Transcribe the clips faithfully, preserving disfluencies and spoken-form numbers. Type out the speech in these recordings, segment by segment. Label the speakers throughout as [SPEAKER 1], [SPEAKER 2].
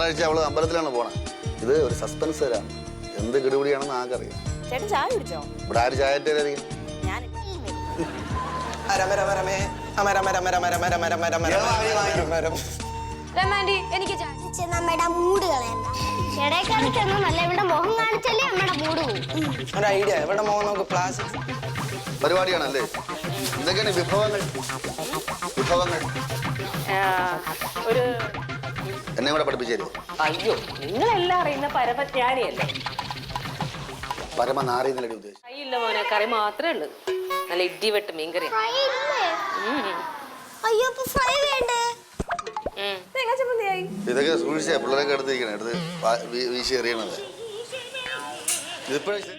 [SPEAKER 1] കഴിച്ച് അവള് അമ്പലത്തിലാണ് പോണേ. ഇത് ഒരു സസ്പെൻസ് തരാണ്. എന്ത് കിടുപിടിയാണെന്ന് ആർക്കറിയാം.
[SPEAKER 2] ചേട്ടൻ ചായ കുടിച്ചോ?
[SPEAKER 1] ഇവിടെ ആര് ചായ ഇട്ടേരായിരിക്കും?
[SPEAKER 2] ഞാൻ
[SPEAKER 3] എനിക്ക് നമ്മുടെ മൂഡ് കളയണ്ട. ഇടയ്ക്കിടയ്ക്കൊന്നുമല്ല, ഇവിടെ മുഖം കാണിച്ചല്ലേ നമ്മുടെ മൂഡ് പോകും.
[SPEAKER 4] ഒരു ഐഡിയ, ഇവിടെ മോൻ നോക്ക് ക്ലാസ്
[SPEAKER 1] പരിപാടിയാണല്ലേ? എന്തൊക്കെയാണ് വിഭവങ്ങൾ? വിഭവങ്ങൾ
[SPEAKER 2] ഒരു
[SPEAKER 1] എന്നെ കൂടെ പഠിപ്പിച്ചു തരുമോ?
[SPEAKER 2] അയ്യോ, നിങ്ങളെല്ലാം അറിയുന്ന പരമജ്ഞാനിയല്ലേ?
[SPEAKER 1] പരമനാറിയെന്നല്ലേ ഉദ്ദേശിച്ചു?
[SPEAKER 2] കൈയില്ല മോനെ, കറി മാത്രമേ ഉള്ളൂ. നല്ല ഇഡ്ഡി വെട്ട് മീൻകറി.
[SPEAKER 3] അയ്യോ, ഫ്രൈ വേണ്ടേ?
[SPEAKER 1] ഇതൊക്കെ സൂക്ഷിച്ചാ പിള്ളേരൊക്കെ എടുത്തിരിക്കണേ, എടുത്ത് വീശി എറിയണത്. ഇതിപ്പോഴേ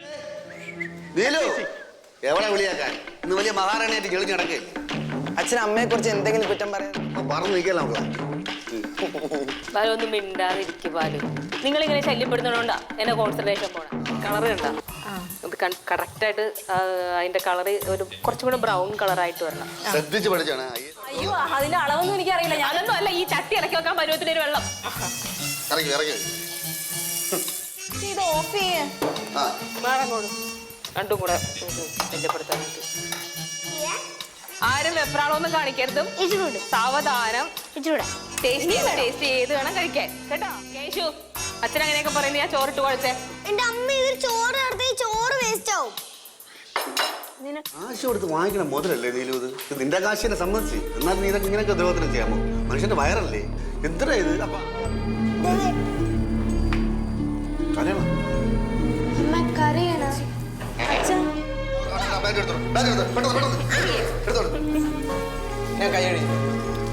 [SPEAKER 1] എവിടെ വിളിയാക്കാൻ? ഇന്ന് വലിയ മഹാറാണിയായിട്ട് ചെളിഞ്ഞ് നടക്കേ.
[SPEAKER 4] അച്ഛൻ അമ്മയെ കുറിച്ച് എന്തെങ്കിലും കുറ്റം പറയാൻ
[SPEAKER 1] പറഞ്ഞു നിൽക്കല്ല നമ്മളെ.
[SPEAKER 2] ബാലു ഒന്നും മിണ്ടാതിരിക്കും. ബാലു, നിങ്ങളിങ്ങനെ ശല്യപ്പെടുന്നതുകൊണ്ടാ എന്നെ കോൺസെൻട്രേഷൻ പോണേ. കളർ കണ്ടാ ഇത് കറക്റ്റായിട്ട് അതിന്റെ കളറ് ഒരു കുറച്ചും കൂടെ ബ്രൗൺ കളറായിട്ട് വരണം.
[SPEAKER 1] ശ്രദ്ധിച്ച് പഠിച്ചാണ്.
[SPEAKER 2] അയ്യോ, അതിന്റെ അളവൊന്നും എനിക്കറിയില്ല. ഞാനൊന്നും അല്ല ഈ ചട്ടി ഇറക്കി വെക്കാൻ പരുവത്തിനൊരു വെള്ളം.
[SPEAKER 1] ഇറങ്ങി ഇറങ്ങി
[SPEAKER 2] ഇത് ഓഫ് ചെയ്യേ വേണം. രണ്ടും കൂടെ ശല്യപ്പെടുത്താനായിട്ട് ആരും വെപ്രാളൊന്നും കാണിക്കരുതും. സാവധാനം ടേസ്റ്റ് ചെയ്ത് വേണം കഴിക്കാൻ കേട്ടോ. കേശു, അച്ഛൻ അങ്ങനെയൊക്കെ പറയുന്നത് ഞാൻ ചോറിട്ട് കുഴച്ചേ.
[SPEAKER 3] എന്റെ അമ്മ ഇതിൽ ചോറ് നടത്തി ചോറ് വേസ്റ്റ് ആവും.
[SPEAKER 1] കാശ് കൊടുത്ത് വാങ്ങിക്കണം മുതലല്ലേ നീലു? ഇത് നിന്റെ കാശിനെ സംബന്ധിച്ച്. എന്നാൽ നീ ഇതൊക്കെ ഇങ്ങനെയൊക്കെ ദ്രോഹത്തിന് ചെയ്യാമോ? മനുഷ്യന്റെ വയറല്ലേ? എന്തിനാ ഇത്? അപ്പൊ കരയണം.
[SPEAKER 4] ഞാൻ കൈ കഴിയും.